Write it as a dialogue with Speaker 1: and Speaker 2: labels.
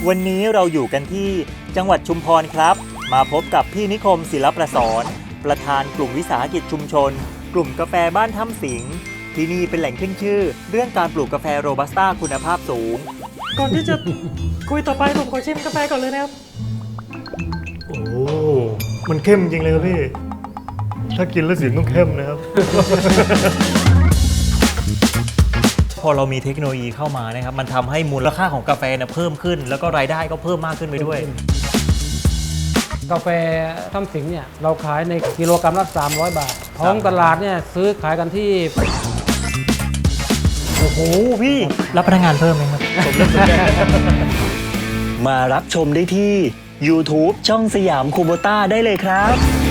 Speaker 1: วันนี้เราอยู่กันที่จังหวัดชุมพรครับ มาพบกับพี่นิคมศิลประสรประธานกลุ่มวิสาหกิจชุมชน กลุ่มกาแฟบ้านถ้ำสิงห์ที่นี่เป็นแหล่งขึ้นชื่อ เรื่องการปลูกกาแฟโรบัสต้าคุณภาพสูง
Speaker 2: ก่อนที่จะคุยต่อไปผมขอชิมกาแฟก่อนเลยนะครับ
Speaker 3: โอ้มันเข้มจริงเลยครับพี่ ถ้ากินแล้วเสียงต้องเข้มนะครับ
Speaker 1: พอเรามีเทคโนโลยีเข้ามานะครับมันทำให้มูลค่าของกาแฟเนี่ยเพิ่มขึ้น แล้วก็รายได้ก็เพิ่มมากขึ้นไปด้วย
Speaker 2: กาแฟถ้ำสิงห์เนี่ยเราขายในกิโลกรัมละ300 บาทท้องตลาดเนี่ยซื้อขายกันที่
Speaker 1: โอ้โหพี่รับพนักงานเพิ่มไหมครับ มารับชมได้ที่ YouTube ช่องสยามคูโบต้าได้เลยครับ